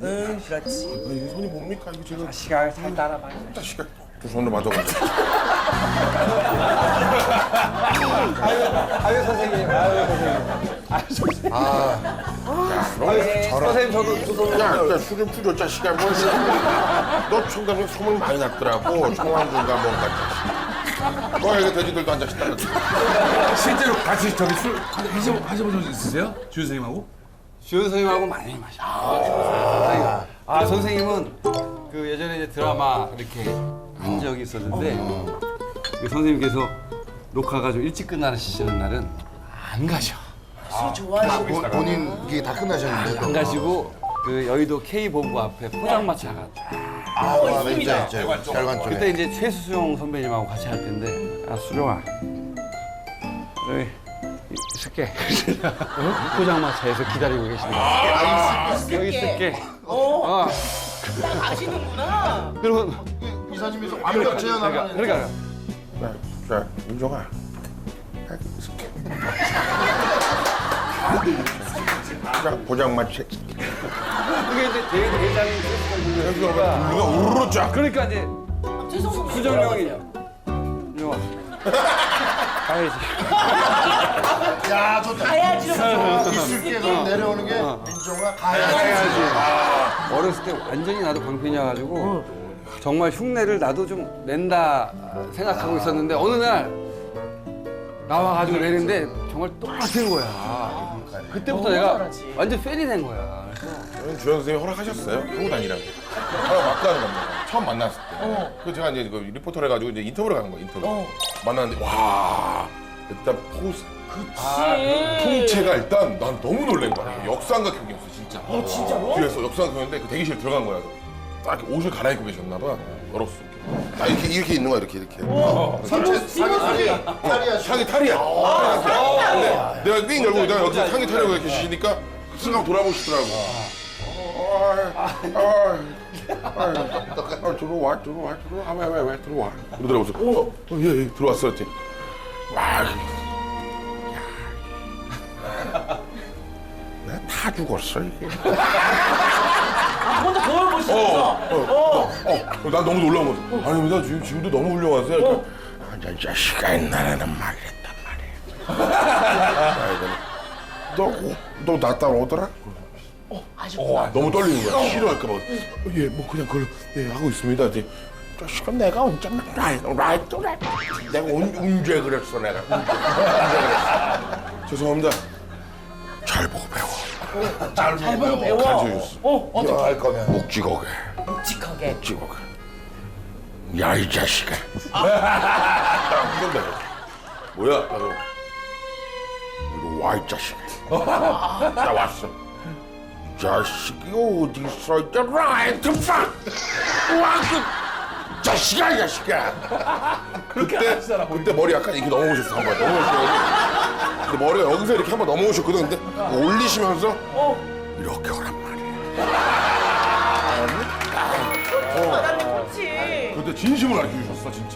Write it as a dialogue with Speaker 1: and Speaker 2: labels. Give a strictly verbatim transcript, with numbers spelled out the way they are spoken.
Speaker 1: 응, 그렇지.
Speaker 2: 이 손이 뭡니까? 이거 지금
Speaker 1: 시간 잘 따라봐.
Speaker 2: 자식아 두 손으로 맞아가지고.
Speaker 1: 아유 선생님, 아유 선생님. 아유 선생님.
Speaker 2: 아유,
Speaker 1: 선생님 저도 두 손으로.
Speaker 2: 야, 야, 술좀 풀려, 자식아. 뭐, 너 청담에 소문 많이 났더라고. 청왕군가 뭔가. 너 여기 돼지들도 앉아 있다.
Speaker 3: 실제로 같이 저기 술 하셔, 하셔본 적 있으세요? 주유 선생님하고?
Speaker 4: 주연 선생님하고 많이 마셔. 아, 아 선생님은 그 예전에 이제 드라마 이렇게 한 적이 있었는데 그 선생님께서 녹화가 좀 일찍 끝나시는 날은 안 가셔.
Speaker 1: 술 좋아하시는
Speaker 5: 본- 본인 이게 다 끝나셨는데
Speaker 4: 안 가시고 그 여의도 K 본부 앞에 포장마차가
Speaker 5: 아, 있습니다. 결관 쪽에.
Speaker 4: 그때 이제 최수종 선배님하고 같이 할 텐데 아 수종아 여기 있을게. 포장마차에서 기다리고 계십니다. 여기 있을게. 어.
Speaker 1: 아시는구나.
Speaker 4: 그리고
Speaker 5: 이사님께서 완벽 재현하는.
Speaker 4: 그러니까
Speaker 2: 자, 자, 윤종아. 아, 이렇게. 자, 보장마치.
Speaker 4: 그게 이제 대, 대장이
Speaker 2: 여기가 우리가 우르르 쫙.
Speaker 4: 그러니까 이제 수정명이 영화 가야지.
Speaker 5: 야, 좋다.
Speaker 1: 가야지로.
Speaker 5: 이슬기에 내려오는 게 민종아 가야지.
Speaker 4: 가야지. 어렸을 때 완전히 나도 광팬이어가지고 정말 흉내를 나도 좀 낸다 생각하고 있었는데 어느 날 나와가지고 내는데 정말 똑같은 거야. 그때부터 내가
Speaker 1: 잘하지.
Speaker 4: 완전 팬이 된 거야.
Speaker 2: 저는 주연 선생님 허락하셨어요? 하고 다니라고. 허락 맞고 하는 겁니다. 처음 만났을 때. 그 제가 이제 그 리포터를 해가지고 이제 인터뷰를 가는 거예요, 인터뷰. 만났는데, 와, 일단 포스.
Speaker 1: 그치.
Speaker 2: 통째가 일단 난 너무 놀란 거야. 역삼각 형이었어, 진짜.
Speaker 1: 어, 진짜로?
Speaker 2: 뒤에서 역삼각 형인데 그 대기실 들어간 거야. 딱 이렇게 옷을 갈아입고 계셨나 봐. 열었어. 아, 이렇게, 이렇게 있는 거야, 이렇게, 이렇게.
Speaker 5: 상체 상체 탈이야.
Speaker 2: 향이 탈이야. 근데 내가 삥 열고 내가 여기서 향이 탈이라고 이렇게 주시니까 순간 돌아보시더라고. 아, 아, 아, 들어와, 들어와, 들어와, 왜, 왜, 왜, 들어와. 그러더라고서, 어, 어, 예, 예, 들어왔어. 했더니, 와, 내가 다 죽었어, 이게.
Speaker 1: 아, 혼자 거울 보시면서. 어.
Speaker 2: 어, 난 너무 놀라운 거지. 아닙니다, 지금, 지금도 너무 훌륭하세요. 이렇게. 아, 저 자식아, 옛날에는 말했단 말이야. 너, 너 나 따라오더라?
Speaker 1: 어, 아주.
Speaker 2: 어, 너무 떨리는 거야. 싫어할까봐. 예, 뭐 그냥 그걸 예, 하고 있습니다. 이제 자식아, 내가 언제 라이트, 라이트, 라이트. 내가 언, 언제 그랬어, 내가. 언제, 언제 그랬어. 죄송합니다. 잘 보고 배워.
Speaker 5: 잘
Speaker 1: 잘 보고 배워.
Speaker 2: 가르쳐줬어.
Speaker 1: 어, 어떻게
Speaker 5: 할 거면.
Speaker 2: 묵직하게,
Speaker 1: 묵직하게.
Speaker 2: 묵직하게. 야, 이 자식아. 딱 이런다. 뭐야? 나도. 이리 와, 이 자식아. 나 왔어. 자식이 어디 있어? 이제 라이트 팍! 와, 그 자식아, 이 자식아. 그때 그때 머리 약간 이렇게 넘어오셨어 한 번. 넘어오시고. 근데 머리가 여기서 이렇게 한 번 넘어오셨거든. 근데 올리시면서 이렇게 오란 말이야.
Speaker 1: 사람이 그렇지.
Speaker 2: 그때 진심을 알려주셨어 진짜.